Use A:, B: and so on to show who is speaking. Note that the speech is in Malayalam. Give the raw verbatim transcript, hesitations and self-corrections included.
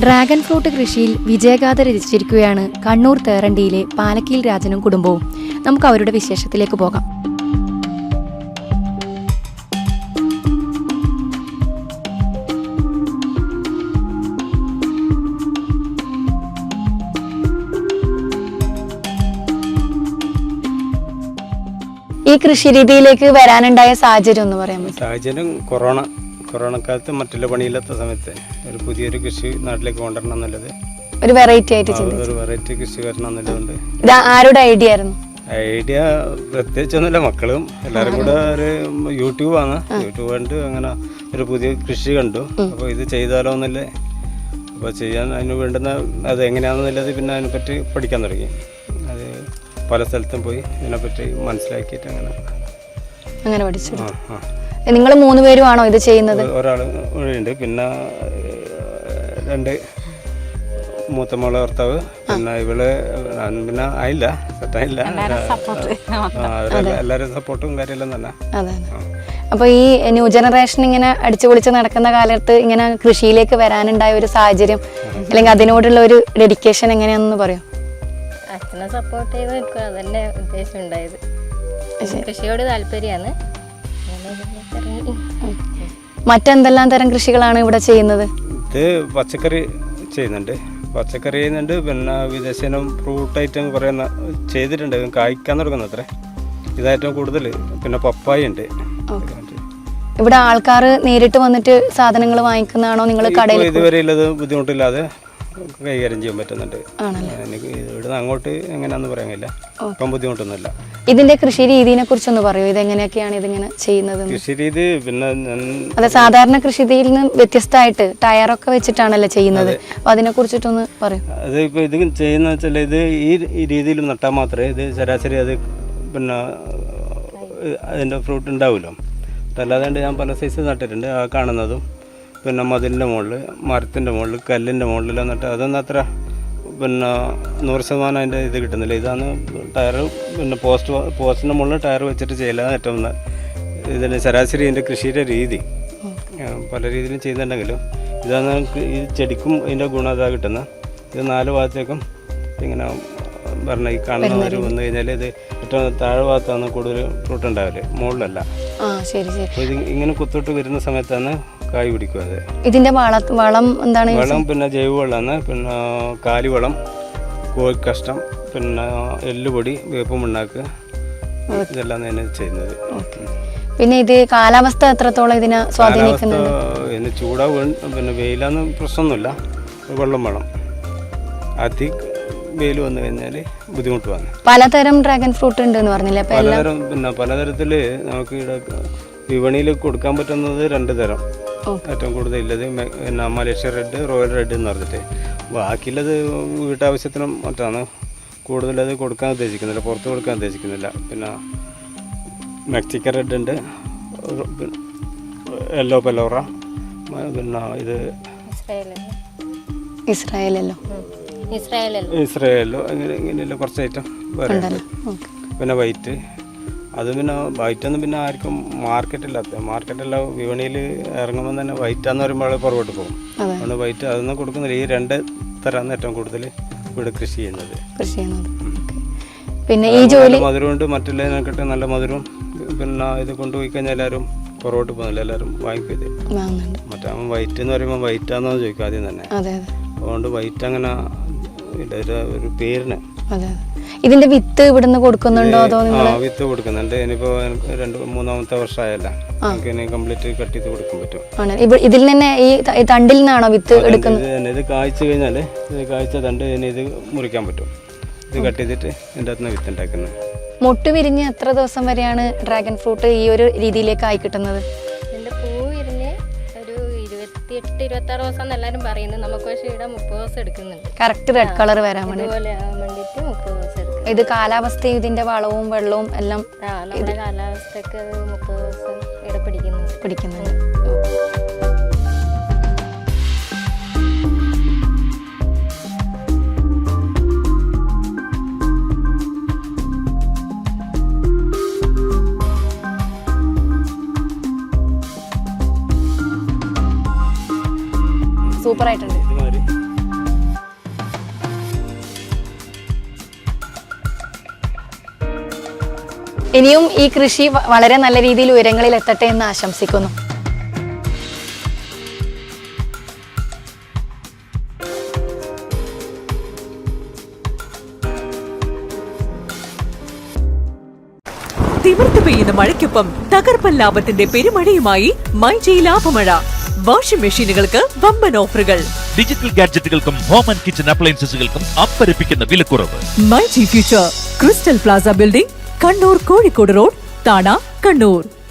A: ഡ്രാഗൺ ഫ്രൂട്ട് കൃഷിയിൽ വിജയഗാഥ രചിച്ചിരിക്കുകയാണ് കണ്ണൂർ തേറണ്ടിയിലെ പാലക്കീൽ രാജനും കുടുംബവും. നമുക്ക് അവരുടെ വിശേഷത്തിലേക്ക് പോകാം. ഈ കൃഷി രീതിയിലേക്ക് വരാനുണ്ടായ സാഹചര്യം ഒന്ന് പറയാൻ പറ്റും?
B: സാഹചര്യം കൊറോണ കൊറോണ കാലത്ത് മറ്റുള്ള പണിയില്ലാത്ത സമയത്ത് ഒരു പുതിയൊരു കൃഷി നാട്ടിലേക്ക് കൊണ്ടുവരണം എന്നുള്ളത്,
A: ഒരു വെറൈറ്റി ആയിട്ട്
B: ഒരു വെറൈറ്റി കൃഷി വരണം എന്നുള്ളതുകൊണ്ട്.
A: ഇത് ആരുടെ ഐഡിയ ആയിരുന്നു?
B: ഐഡിയ പ്രത്യേകിച്ചൊന്നുമില്ല, മക്കളും എല്ലാവരും കൂടെ ഒരു യൂട്യൂബാണ്, യൂട്യൂബ് കണ്ട് അങ്ങനെ ഒരു പുതിയ കൃഷി കണ്ടു. അപ്പോൾ ഇത് ചെയ്താലോ എന്നല്ലേ, അപ്പോൾ ചെയ്യാൻ അതിന് വേണ്ടുന്ന അത് എങ്ങനെയാണെന്നുള്ളത് പിന്നെ അതിനെപ്പറ്റി പഠിക്കാൻ തുടങ്ങി. അത് പല സ്ഥലത്തും പോയി ഇതിനെപ്പറ്റി മനസ്സിലാക്കിയിട്ട് അങ്ങനെ
A: അങ്ങനെ പഠിച്ചു. നിങ്ങൾ മൂന്ന് പേരുമാണോ ഇത് ചെയ്യുന്നത്?
B: ഒരാൾ ഉണ്ട്, പിന്നെ രണ്ട് മൂത്ത മോളെ ഭർത്താവ്, പിന്നെ ഇവള് പിന്നെ ആയില്ല, സെറ്റായില്ല. എല്ലാവരും സപ്പോർട്ടും കാര്യമെല്ലാം തന്നെ.
A: അതെ. അപ്പോൾ ഈ ന്യൂ ജനറേഷൻ ഇങ്ങനെ അടിച്ചു പൊളിച്ച് നടക്കുന്ന കാലത്ത് ഇങ്ങനെ കൃഷിയിലേക്ക് വരാനുണ്ടായ ഒരു സാഹചര്യം അല്ലെങ്കിൽ അതിനോടുള്ള ഒരു ഡെഡിക്കേഷൻ എങ്ങനെയാണെന്ന് പറയും?
C: അച്ഛനെ സപ്പോർട്ട് ചെയ്ത് നിൽക്കുക, അതന്നെ ഉദ്ദേശം ഉണ്ടായത്. കൃഷിയോട് താല്പര്യമാണ്.
A: മറ്റെന്തെല്ലാം തരം കൃഷികളാണ് ഇവിടെ ചെയ്യുന്നത്?
B: ഇത് പച്ചക്കറി ചെയ്യുന്നുണ്ട്, പച്ചക്കറി ചെയ്യുന്നുണ്ട്, പിന്നെ വിദേശനം ഫ്രൂട്ട് ഐറ്റം കുറേ ചെയ്തിട്ടുണ്ട്, കായ്ക്കാൻ തുടങ്ങുന്നു അത്ര. ഇതായിട്ടും കൂടുതൽ. പിന്നെ പപ്പായ ഉണ്ട്.
A: ഇവിടെ ആൾക്കാർ നേരിട്ട് വന്നിട്ട് സാധനങ്ങൾ വാങ്ങിക്കുന്നതാണോ? നിങ്ങൾ കടയിൽ
B: ഇതുവരെ ഉള്ളത് ബുദ്ധിമുട്ടില്ലാതെ കൈകാര്യം ചെയ്യാൻ പറ്റുന്നുണ്ട്. എനിക്ക് ഇവിടുന്ന് അങ്ങോട്ട് എങ്ങനെയാണെന്ന് പറയാനില്ല, ഇപ്പം ബുദ്ധിമുട്ടൊന്നുമില്ല. ഇതിന്റെ
A: കൃഷി രീതിയെ കുറിച്ചൊന്ന് പറയൂ. ഇതെങ്ങനെയൊക്കെയാണ് ഇതിങ്ങനെ ചെയ്യുന്നത്?
B: കൃഷി രീതി പിന്നെ
A: അതെ, സാധാരണ കൃഷി രീതിയിൽ നിന്ന് വ്യത്യസ്തമായിട്ട് ടയറൊക്കെ വെച്ചിട്ടാണല്ലോ ചെയ്യുന്നത്. അപ്പൊ അതിനെ കുറിച്ചിട്ടൊന്ന് പറയൂ.
B: അത് ഇപ്പൊ ഇത് ചെയ്യുന്ന വെച്ചാൽ ഇത് ഈ രീതിയിൽ നട്ടാൽ മാത്രമേ ഇത് ശരാശരി അത് പിന്നെ അതിന്റെ ഫ്രൂട്ട് ഉണ്ടാവുമല്ലോ. അല്ലാതെ ഞാൻ പല സൈസ് നട്ടിട്ടുണ്ട്, ആ കാണുന്നതും പിന്നെ മതിലിൻ്റെ മുകളിൽ, മരത്തിൻ്റെ മുകളിൽ, കല്ലിൻ്റെ മുകളിൽ എന്നിട്ട് അതൊന്നും അത്ര പിന്നെ നൂറ് ശതമാനം അതിൻ്റെ ഇത് കിട്ടുന്നില്ല. ഇതാണ് ടയർ, പിന്നെ പോസ്റ്റ് പോസ്റ്റിൻ്റെ മുകളിൽ ടയർ വെച്ചിട്ട് ചെയ്യലാണ് ഏറ്റവും ഇതിന് ശരാശരി ഇതിൻ്റെ കൃഷിയുടെ രീതി. പല രീതിയിലും ചെയ്യുന്നുണ്ടെങ്കിലും ഇതാണ് ഈ ചെടിക്കും ഇതിൻ്റെ ഗുണം ഇതാ കിട്ടുന്നത്. ഇത് നാല് ഭാഗത്തേക്കും ഇങ്ങനെ പറഞ്ഞ ഈ കാണുന്നവർ വന്നു കഴിഞ്ഞാൽ ഇത് ഏറ്റവും താഴെ ഭാഗത്താണ് കൂടുതൽ ഫ്രൂട്ട് ഉണ്ടാവില്ലേ, മുകളിലല്ല. അപ്പോൾ ഇത് ഇങ്ങനെ കുത്തിട്ട് വരുന്ന സമയത്താണ് കായ് പിടിക്കും. അത്
A: ഇതിന്റെ വളം എന്താണ്?
B: വളം പിന്നെ ജൈവവളമാണ്, പിന്നെ കാലിവളം, കോഴിക്കഷ്ടം, പിന്നെ എല്ലുപൊടി, വേപ്പ് മണ്ണാക്ക്, ഇതെല്ലാം തന്നെ ചെയ്യുന്നത്.
A: പിന്നെ ഇത് കാലാവസ്ഥ എത്രത്തോളം ഇതിനെ സ്വാധീനിക്കുന്നുണ്ട്?
B: പിന്നെ ചൂടാവും, പിന്നെ വെയിലാന്ന് പ്രശ്നമൊന്നുമില്ല, വെള്ളം വേണം. അതി വെയിൽ വന്നു കഴിഞ്ഞാൽ ബുദ്ധിമുട്ട് വന്നു.
A: പലതരം ഡ്രാഗൺ ഫ്രൂട്ട് ഉണ്ട് എന്ന് പറഞ്ഞില്ലേ?
B: പലതരം പിന്നെ പലതരത്തിൽ നമുക്ക് ഇവിടെ വിപണിയിൽ കൊടുക്കാൻ പറ്റുന്നത് രണ്ട് തരം. ഏറ്റവും കൂടുതൽ ഇല്ലത് പിന്നെ മലേഷ്യ റെഡ്, റോയൽ റെഡ് എന്ന് പറഞ്ഞിട്ട്. ബാക്കിയുള്ളത് വീട്ടാവശ്യത്തിനും മറ്റാണ് കൂടുതലത് കൊടുക്കാൻ ഉദ്ദേശിക്കുന്നില്ല, പുറത്ത് കൊടുക്കാൻ ഉദ്ദേശിക്കുന്നില്ല. പിന്നെ മെക്സിക്കൻ റെഡ് ഉണ്ട്, യെല്ലോ പെലോറ, പിന്നെ ഇത്
A: ഇസ്രായേലല്ലോ
B: ഇസ്രായേലോ അങ്ങനെ ഇങ്ങനെയല്ല കുറച്ച് ഐറ്റം വേറെ. പിന്നെ വൈറ്റ്, അത് പിന്നെ വൈറ്റൊന്നും പിന്നെ ആർക്കും മാർക്കറ്റില്ലാത്ത, മാർക്കറ്റെല്ലാം വിപണിയിൽ ഇറങ്ങുമ്പോൾ തന്നെ വൈറ്റാന്ന് പറയുമ്പോൾ പുറകോട്ട് പോകും. അതുകൊണ്ട് വൈറ്റ് അതൊന്നും കൊടുക്കുന്നില്ല. ഈ രണ്ട് തരാണ് ഏറ്റവും കൂടുതൽ ഇവിടെ കൃഷി ചെയ്യുന്നത്.
A: പിന്നെ ഈ ജോലി
B: മധുരമുണ്ട്, മറ്റുള്ളതിനെക്കാട്ടും നല്ല മധുരവും. പിന്നെ ഇത് കൊണ്ടുപോയി കഴിഞ്ഞാൽ എല്ലാവരും പുറകോട്ട് പോകുന്നില്ല, എല്ലാവരും വാങ്ങിക്കും. ഇത് മറ്റേ വൈറ്റ് എന്ന് പറയുമ്പോൾ വൈറ്റാന്ന് ചോദിക്കും ആദ്യം തന്നെ. അതുകൊണ്ട് വൈറ്റ് അങ്ങനെ ഇല്ല, ഒരു പേരിന്.
A: ഇതിന്റെ വിത്ത് ഇവിടുന്ന് കൊടുക്കുന്നുണ്ടോ? അതോ
B: വിത്ത് കൊടുക്കുന്നുണ്ട്. ഇനിയിപ്പോ രണ്ട് മൂന്നാമത്തെ വർഷമായല്ല, നമുക്ക് ഇനി കംപ്ലീറ്റ് കട്ട് ചെയ്ത് കൊടുക്കാൻ പറ്റും.
A: ഇതിൽ തന്നെ ഈ തണ്ടിൽ നിന്നാണോ വിത്ത് എടുക്കുന്നത്?
B: ഇത് കായ്ച്ചു കഴിഞ്ഞാൽ ഇത് കായ്ച്ച തണ്ട് ഇനി ഇത് മുറിക്കാൻ പറ്റും. ഇത് കട്ട് ചെയ്തിട്ട് ഇതിൻ്റെ അകത്ത് നിന്ന് വിത്ത് ഉണ്ടാക്കുന്നത്.
A: മൊട്ട് വിരിഞ്ഞ് എത്ര ദിവസം വരെയാണ് ഡ്രാഗൺ ഫ്രൂട്ട് ഈ ഒരു രീതിയിലേക്ക് ആയി കിട്ടുന്നത്?
C: പൂ വിരിഞ്ഞ് ഒരു ഇരുപത്തിയെട്ട് ഇരുപത്തി ആറ് ദിവസം എല്ലാവരും പറയുന്നത്. നമുക്ക് പക്ഷേ ഇവിടെ മുപ്പത് ദിവസം എടുക്കുന്നുണ്ട്
A: കറക്റ്റ് റെഡ് കളർ വരാൻ വേണ്ടി.
C: മുപ്പത് ദിവസം എടുക്കും.
A: ഇത് കാലാവസ്ഥയും ഇതിന്റെ വളവും വെള്ളവും എല്ലാം
C: നമ്മുടെ കാലാവസ്ഥക്ക് മുപ്പത് ദിവസം ഇവിടെ പിടിക്കുന്നുണ്ട്
A: പിടിക്കുന്നുണ്ട് സൂപ്പർ ആയിട്ടുണ്ട്. ഇനിയും ഈ കൃഷി വ- വളരെ നല്ല രീതിയിൽ ഉയരങ്ങളിൽ എത്തട്ടെ എന്ന് ആശംസിക്കുന്നു.
D: തിമിർത്ത് പെയ്യുന്ന മഴയ്ക്കൊപ്പം തകർപ്പൻ ലാഭത്തിന്റെ പെരുമഴയുമായി മൈജി ലാഭമഴ. വാഷിംഗ് മെഷീനുകൾക്ക് വമ്പൻ ഓഫറുകൾ.
E: ഡിജിറ്റൽ ഗാഡ്ജറ്റുകൾക്കും ഹോം ആൻഡ് കിച്ചൺ അപ്ലയൻസസുകൾക്കും അമ്പരപ്പിക്കുന്ന വിലക്കുറവ്.
D: MyG future crystal plaza building, Kannur Kozhikode road, Thana, Kannur.